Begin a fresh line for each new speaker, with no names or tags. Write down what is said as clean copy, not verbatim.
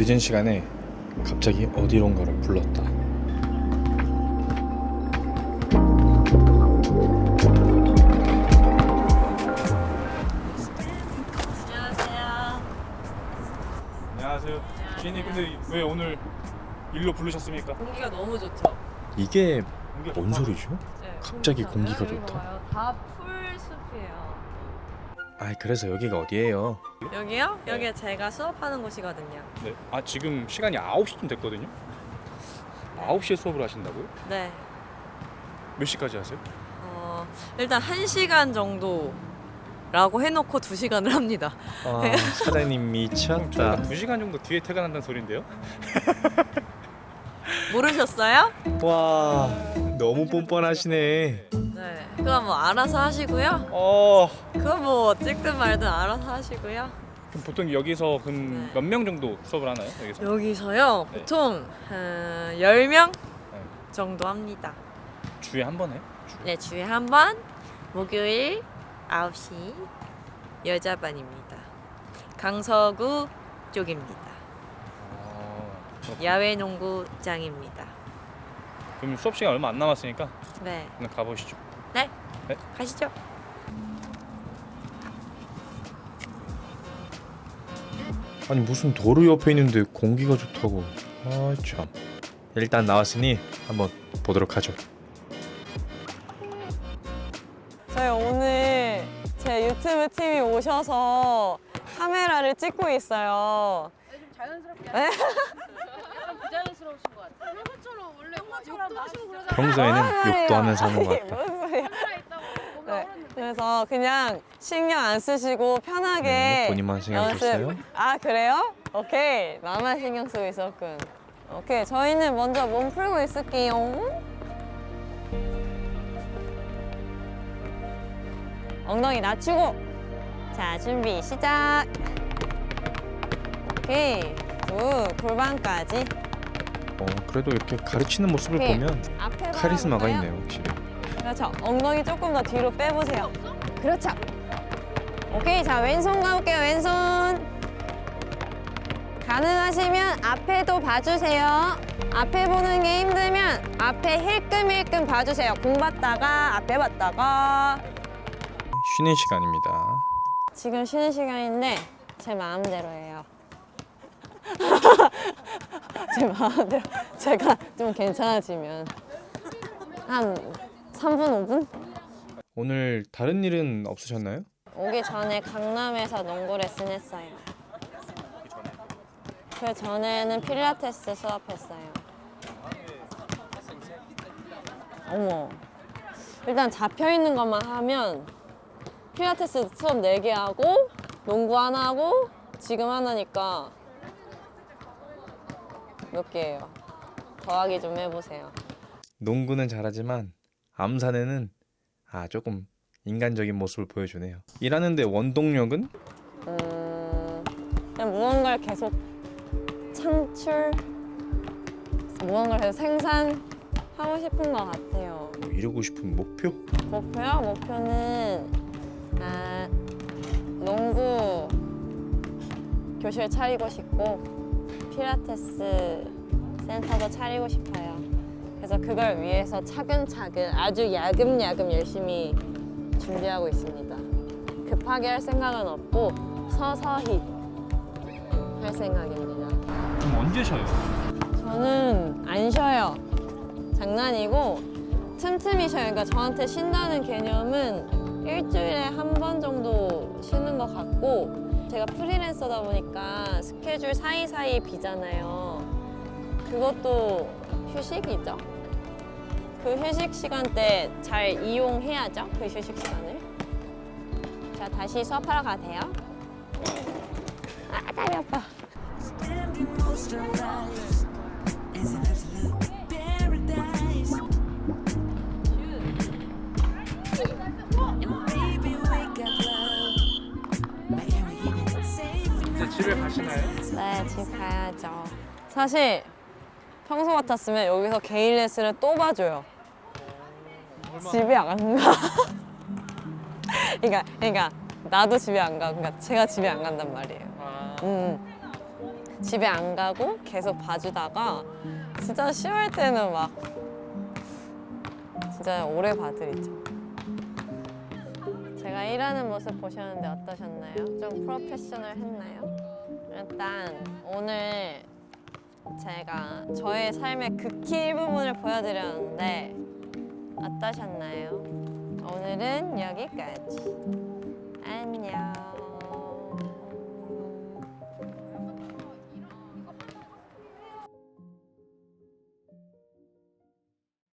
늦은 시간에 갑자기 어디론가로 불렀다. 안녕하세요. 지인님, 근데 왜 오늘 일로 부르셨습니까?
공기가 너무 좋죠.
이게
공기가
뭔
좋다.
소리죠?
네,
갑자기
괜찮아요?
공기가
여기
좋다.
봐봐요. 다 풀숲이에요.
아, 그래서 여기가 어디예요?
여기요?
네.
여기 제가 수업하는 곳이거든요.
네. 아, 지금 시간이 9시쯤 됐거든요. 9시에 수업을 하신다고요?
네.
몇 시까지 하세요?
일단 1시간 정도라고 해놓고 2시간을 합니다.
아, 사장님 미쳤다.
2시간 정도 뒤에 퇴근한다는 소린데요?
모르셨어요?
와, 너무 뻔뻔하시네.
네. 그건 뭐 알아서 하시고요. 그건 뭐 찍든 말든 알아서 하시고요.
그럼 보통 여기서
네.
몇 명 정도 수업을 하나요? 여기서?
여기서요.
네.
보통 10명
네.
정도 합니다.
주에 한 번 해요?
네, 주에 한 번 목요일 9시 여자반입니다. 강서구 쪽입니다. 야외 농구장입니다.
그럼 수업 시간 얼마 안 남았으니까
네,
그냥 가보시죠.
네,
네.
가시죠.
아니 무슨 도로 옆에 있는데 공기가 좋다고. 아 참. 일단 나왔으니 한번 보도록 하죠.
저희 오늘 제 유튜브 팀이 오셔서 카메라를 찍고 있어요.
좀 자연스럽게
네?
약간 부자연스러우신 것 같아요. 평소처럼 원래 욕도 하시고 그러잖아요.
평소에는 욕도 하면서 하는 것 같다.
무슨 소리야?
카메라 있다고 보면
네.
하는데
그래서 그냥 신경 안 쓰시고 편하게
네, 본인만 신경
연습.
썼어요?
아 그래요? 오케이. 나만 신경 쓰고 있었군. 오케이. 저희는 먼저 몸 풀고 있을게요. 엉덩이 낮추고. 자, 준비 시작. 오케이. 굿. 골반까지.
그래도 이렇게 가르치는 모습을
오케이.
보면
앞에
카리스마가
바라볼까요?
있네요, 확실히.
그렇죠. 엉덩이 조금 더 뒤로 빼보세요. 그렇죠. 오케이. 자, 왼손 가볼게요. 왼손. 가능하시면 앞에도 봐주세요. 앞에 보는 게 힘들면 앞에 힐끔힐끔 봐주세요. 공 봤다가 앞에 봤다가.
쉬는 시간입니다.
지금 쉬는 시간인데 제 마음대로예요. 제 마음대로. 제가 좀 괜찮아지면 한 3분, 5분?
오늘 다른 일은 없으셨나요?
오기 전에 강남에서 농구 레슨 했어요. 그 전에는 필라테스 수업했어요. 어머. 일단 잡혀 있는 것만 하면 필라테스 수업 4개 하고 농구 하나 하고 지금 하나니까 몇 개예요? 더하기 좀 해보세요.
농구는 잘하지만 암산에는 조금 인간적인 모습을 보여주네요. 일하는데 원동력은?
그냥 무언가를 계속 무언가를 계속 생산하고 싶은 것 같아요.
뭐 이루고 싶은 목표?
목표요? 목표는 농구 교실 차리고 싶고 필라테스 센터도 차리고 싶어요. 그래서 그걸 위해서 차근차근 아주 야금야금 열심히 준비하고 있습니다. 급하게 할 생각은 없고 서서히 할 생각입니다.
그럼 언제 쉬어요?
저는 안 쉬어요. 장난이고 틈틈이 쉬어요. 그러니까 저한테 쉰다는 개념은 일주일에 한 번 정도 쉬는 것 같고 제가 프리랜서다 보니까 스케줄 사이사이 비잖아요. 그것도 휴식이죠. 그 휴식 시간 때 잘 이용해야죠. 그 휴식 시간을. 자, 다시 수업하러 가세요. 다리 아파.
이제 집에 가시나요?
네, 집 가야죠. 사실 평소 같았으면 여기서 개인 레슨을 또 봐줘요. 집에 안 가. 그러니까 나도 집에 안 가. 그러니까 제가 집에 안 간단 말이에요. 집에 안 가고 계속 봐주다가 진짜 쉬울 때는 막 진짜 오래 봐드리죠. 제가 일하는 모습 보셨는데 어떠셨나요? 좀 프로페셔널 했나요? 일단 오늘 제가 저의 삶의 극히 일부분을 보여드렸는데 어떠셨나요? 오늘은 여기까지.